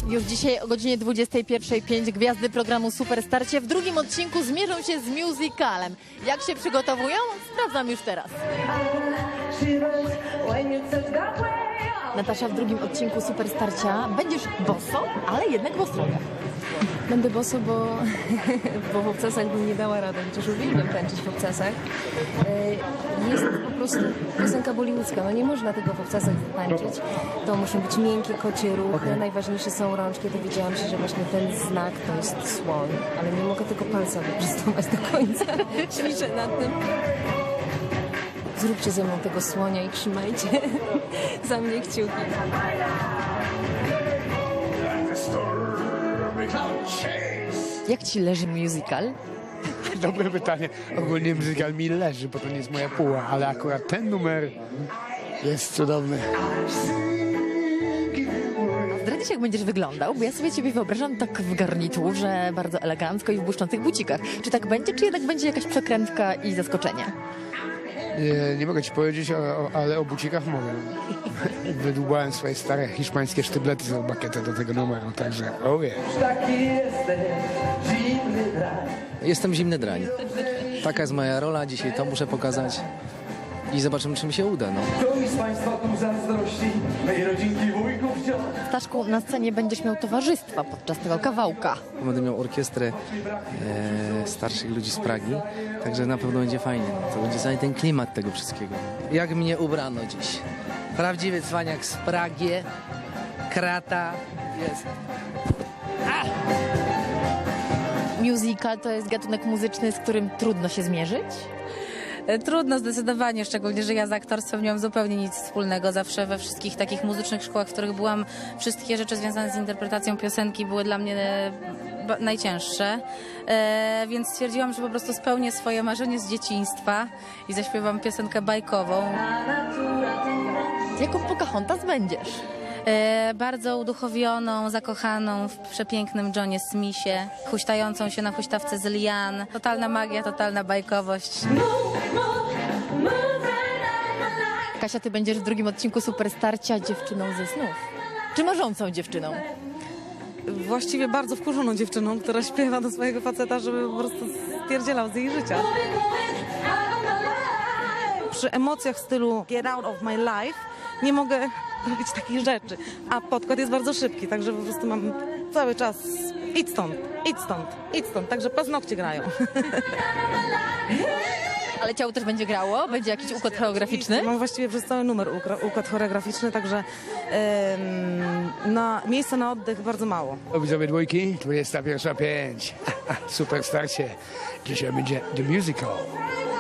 Już dzisiaj o godzinie 21:05 gwiazdy programu Superstarcie w drugim odcinku zmierzą się z musicalem. Jak się przygotowują? Sprawdzam już teraz. Natasza, w drugim odcinku Superstarcia będziesz boso, ale jednak w ostrogach. Będę boso, bo w obcasach bym nie dała rady, chociaż uwielbiam tańczyć w obcasach. Jest po prostu piosenka bollywoodzka, no nie można tego w obcasach tańczyć. To muszą być miękkie kocie ruchy, najważniejsze są rączki. Dowiedziałam się, że właśnie ten znak to jest słoń, ale nie mogę tego palca wyprostować do końca. Ćwiczę nad tym. Zróbcie ze mną tego słonia i trzymajcie za mnie kciuki. Jak ci leży musical? Dobre pytanie. Ogólnie muzyka mi leży, bo to nie jest moja puła, ale akurat ten numer jest cudowny. Zdradzisz, jak będziesz wyglądał, bo ja sobie ciebie wyobrażam tak w garniturze, bardzo elegancko i w błyszczących bucikach. Czy tak będzie, czy jednak będzie jakaś przekrętka i zaskoczenie? Nie mogę ci powiedzieć, ale o bucikach mogę. Wydłubałem swoje stare hiszpańskie sztyblety z bakietę do tego numeru, także Jestem zimny drań. Taka jest moja rola, dzisiaj to muszę pokazać i zobaczymy, czy mi się uda. No. Komuś z Państwa tu zazdrości, mej rodzinki wujków wciąż. Staszku, na scenie będziesz miał towarzystwa podczas tego kawałka. Będę miał orkiestrę starszych ludzi z Pragi, także na pewno będzie fajnie. To będzie cały ten klimat tego wszystkiego. Jak mnie ubrano dziś? Prawdziwy cwaniak z Pragi, krata jest. Musical to jest gatunek muzyczny, z którym trudno się zmierzyć. Trudno zdecydowanie, szczególnie, że ja z aktorstwem nie mam zupełnie nic wspólnego. Zawsze we wszystkich takich muzycznych szkołach, w których byłam, wszystkie rzeczy związane z interpretacją piosenki były dla mnie najcięższe. Więc stwierdziłam, że po prostu spełnię swoje marzenie z dzieciństwa i zaśpiewam piosenkę bajkową. Jaką Pocahontas będziesz? Bardzo uduchowioną, zakochaną w przepięknym Johnie Smithie, huśtającą się na huśtawce z lian. Totalna magia, totalna bajkowość. Kasia, ty będziesz w drugim odcinku Superstarcia dziewczyną ze snów. Czy marzącą dziewczyną? Właściwie bardzo wkurzoną dziewczyną, która śpiewa do swojego faceta, żeby po prostu stwierdzielał z jej życia. Przy emocjach w stylu Get Out of My Life nie mogę robić takich rzeczy, a podkład jest bardzo szybki, także po prostu mam cały czas idź stąd, idź stąd, idź stąd, także paznokcie grają. Ale ciało też będzie grało? Będzie jakiś układ choreograficzny? Mam właściwie przez cały numer układ choreograficzny, także miejsca na oddech bardzo mało. widzowie dwójki, 21:05. Superstarcie. Dzisiaj będzie The Musical.